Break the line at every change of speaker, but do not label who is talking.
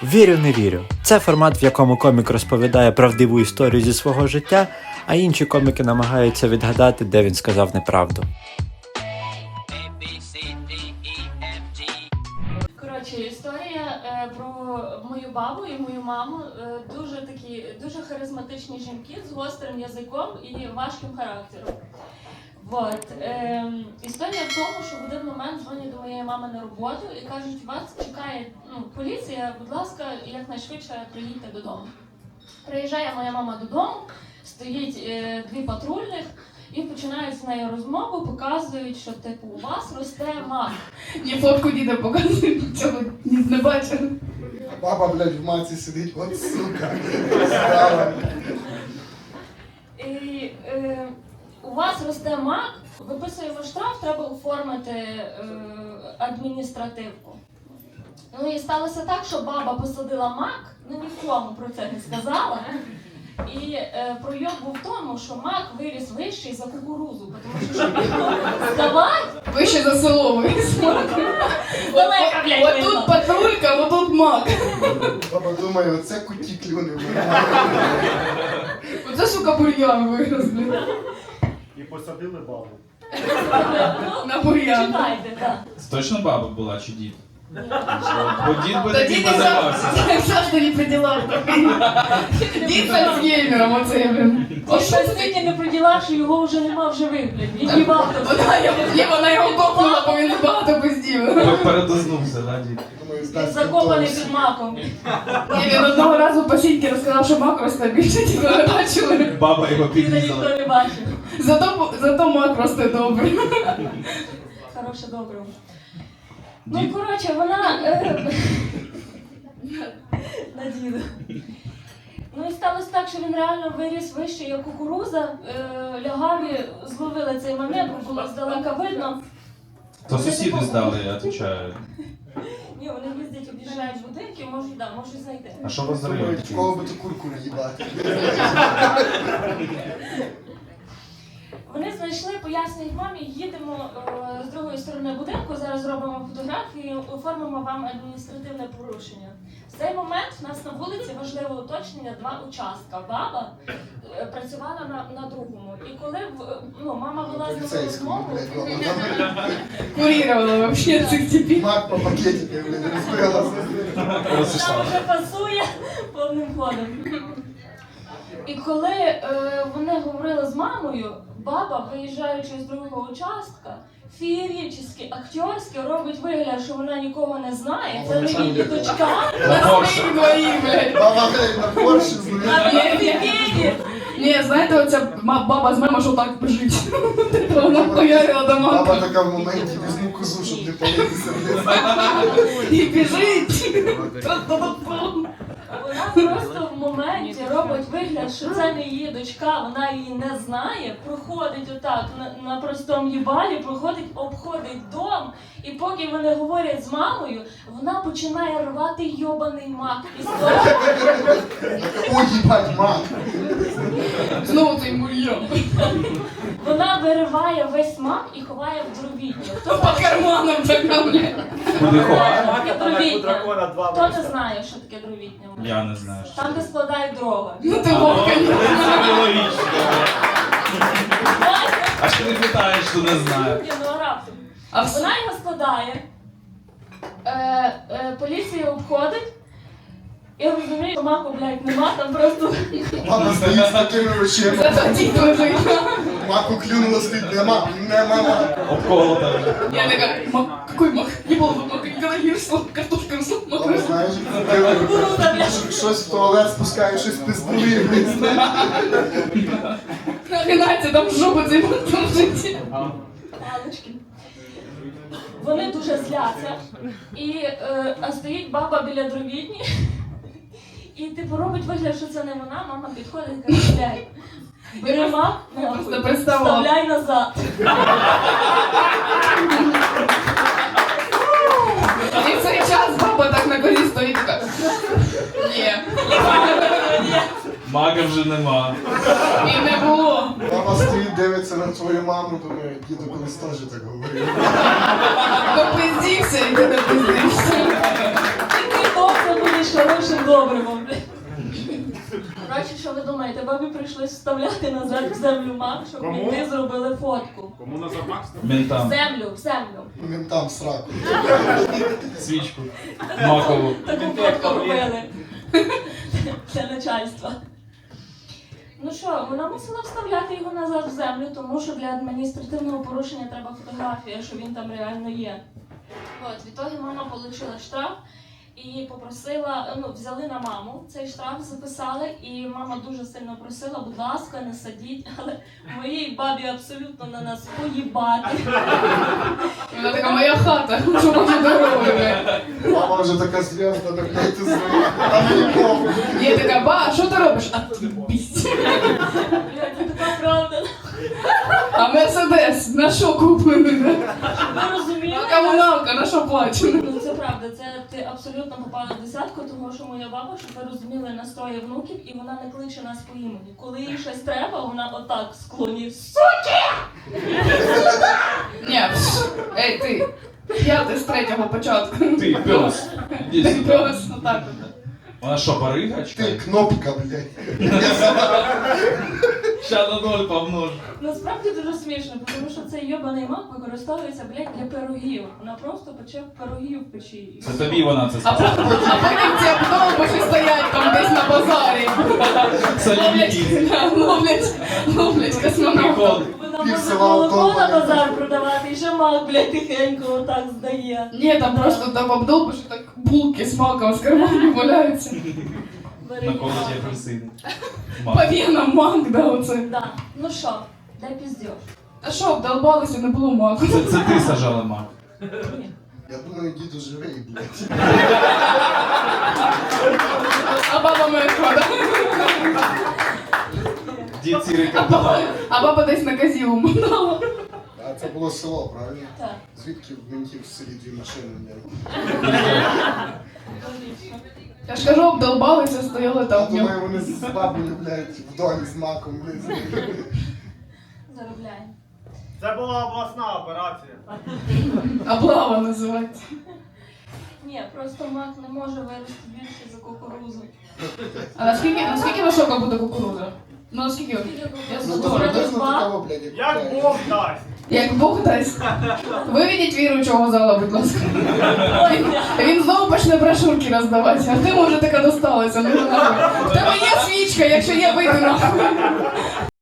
Вірю, не вірю. Це формат, в якому комік розповідає правдиву історію зі свого життя, а інші коміки намагаються відгадати, де він сказав неправду.
Коротше, історія про мою бабу і мою маму. Дуже харизматичні жінки з гострим язиком і важким характером. Історія в тому, що в один момент дзвонять до моєї мами на роботу і кажуть, вас чекає поліція, будь ласка, якнайшвидше приїдьте додому. Приїжджає моя мама додому, стоїть дві патрульних і починають з нею розмову, показують, що типу у вас росте мак.
Мені фотку діда показують, цього не бачив.
Баба, блядь, в маці сидить, от сука.
І у вас росте мак, виписуємо штраф, треба оформити адміністративку. Ну і сталося так, що баба посадила мак, нікому про це не сказала. І пройоб був в тому, що мак виріс вищий за кукурузу, тому що щоб його здавати...
Вище за село виріс мак.
Далека, блядь,
От тут патрулька, от тут мак.
Баба думає, оце куті клюни.
Оце, сука, бур'ян вирос, блядь.
І посадили бабу.
На бур'ян.
Читайте, так.
Це точно баба була чи дід? Бо дід би
Та
таким
дід
позаймався.
завжди не при ділах. Дід з Альцгеймером, оце, блін.
Він настільки не при ділах, що його вже нема в живих, блядь. Він їбав.
Вона його копнула, бо він багато пиздів.
Передознувся, да, дід?
Він закопаний під маком.
Він одного разу по сіньки розказав, що мак росте більше, ніби не бачили.
Баба його
Він ніхто
підрізала.
не бачив.
Зато мак росте добре.
Хороше, добре. Ну, коротше, вона... На діду. Ну і сталося так, що він реально виріс вище, як кукуруза. Лягаві зловили цей момент, бо було здалека видно.
То сусіди здали, я відповідаю.
Ні, вони їздять, об'їжджають будинки, можуть знайти.
А що вас
Думають,
зробити?
в кого би ту курку наїбати.
Вони знайшли, пояснюють мамі, їдемо з другої сторони будинку, зараз зробимо фотографії, оформимо вам адміністративне порушення. В цей момент в нас на вулиці важливе уточнення, два участка. Баба працювала на другому. І коли мама вела з ними розмову,
Курировала вообще цих типів.
Мак по пакетику, блядь, розбилася.
вона вже пасує повним ходом. І коли вони говорили з мамою, баба, виїжджаючи з другого участка, феєрично, акторськи робить вигляд, що вона нікого не знає. Це не її дочка.
Двоїх, блядь.
Баба, блядь, на Порші
А
зловила.
не фігіє.
Ні, знаєте, оця баба з мамою, що так біжить. Вона хуярила до
Баба
мака.
така в моменті візьму козу, щоб не палитися, блядь.
І біжить.
Вона просто в моменті робить вигляд, що це не її дочка, вона її не знає, проходить отак на простому їбалі, проходить, обходить дом, і поки вони говорять з мамою, вона починає рвати йобаний мак із дому.
Ой, їбать, мак.
Знову цей бур'ян.
Вона вириває весь мак і ховає в дровітню.
По карманам така, блядь.
Куди ховає?
Таке дровітня.
дракона два
Хто не
вийшли.
знає, що таке дровітня?
Я не знаю. що
Там, де складають дрова.
Ну ти вовка.
це логічно. А що ти питаєш, що не знаю?
Ні, ну а раптом.
А
Вона його складає, поліція обходить, і розуміє, що маку, блядь, нема, там просто...
Баба стоїть з такими очима.
Зато дід лежить.
Маку клюнула, стоїть, нема, нема.
Обколота.
Я такая, мак, какой мак? Не было бы мака, никогда не росла, картошка росла, мак
Баба,
росла.
знаєш, щось в туалет спускає, щось пиздує, блядь.
Нахренайте, там жопа цей мак там житті.
Палички. Вони дуже зляться, а стоїть баба біля дровітні, і типу робить вигляд, що це не вона, мама підходить і каже, блядь, бери мак,
просто представила.
вставляй назад.
І в цей час баба так на колі стоїть така. Ні.
Мага вже нема.
І не було.
Баба стоїть, дивиться на твою маму, думає, діду колись теж так говорив.
Попиздівся і ти не пиздився.
Ти довго будеш хорошим Коротше, що ви думаєте, бабі прийшлось вставляти назад в землю мак, щоб
Кому?
мінти зробили фотку.
Кому на запах?
В
Ментам.
землю.
Він там сраку.
Свічку. Макову.
Таку фотку робили для начальства. Ну що, вона мусила вставляти його назад в землю, тому що для адміністративного порушення треба фотографія, що він там реально є. От, відтоді мама отримала штраф і попросила, взяли на маму цей штраф, записали, і мама дуже сильно просила, будь ласка, не садіть, але моїй бабі абсолютно на нас поїбати.
Вона така, моя хата, що може дорогою.
Мама вже така серйозна, так блядь, ти звик. А мені похуй.
Я така, ба, що ти робиш? А ти бість.
Блядь, це така правда.
А Мерседес, на що куплений?
Ви розумієте?
А комуналка, на що плачено?
Ну це правда, це ти абсолютно попала в десятку, тому що моя баба, щоб ви розуміли, настрої внуків, і вона не кличе нас по імені. Коли їй щось треба, вона отак склоні.
Ні, ей, ти. Я ти з третього початку.
Ти, пес. Іди
Ти
сюди.
пес, отак.
Вона що, барига?
Ти кнопка, блядь.
Ща на 0 помножу.
Насправді дуже смішно, тому що цей йобаний мак використовується, блядь, для пирогів. Вона просто пече пирогів в печі.
Це тобі вона це
А
сказала.
потім ці автобуси стоять там десь на базарі.
Солідні.
Ловлять космонавтів.
Прикол.
Вона
Пів
може
села
молоко на
вдома.
базар продавати, і ще мак, блядь, тихенько отак здає.
Ні, там просто там обдовбиш, так булки з маком з карманів валяються.
Бери
На колоді
мак.
апельсини.
По
Мак.
венам мак, да, оце.
Да. Ну що, дай піздєш.
Та що, обдолбалися, не було маку.
Це ти сажала мак.
Ні.
Я думаю, діду живий, блядь.
А баба мертва, да?
Дід сірий кардинал.
А баба десь на казілу мотала.
А це було село, правильно?
Так.
Звідки в ментів в селі дві машини, блядь?
Логічно.
Я ж кажу, обдолбалися, стояли
Я
там в ньому.
думаю, вони з бабою, блядь, в домі з маком, блядь.
Заробляємо.
Це була обласна операція.
Облава називається.
Ні, просто мак не може вирости більше за кукурузу.
А наскільки висока буде кукурудза? Ну наскільки? Я
Ну,
знаю.
то приблизно
Два.
такого, блядь,
Як
як
Бог дасть.
Як Бог дасть. Виведіть віруючого зала, будь ласка.
Ой, бля.
Він знову почне брошурки роздавати, а ти може така досталася. Ну, нахуй. В тебе є свічка, якщо є, вийди нахуй.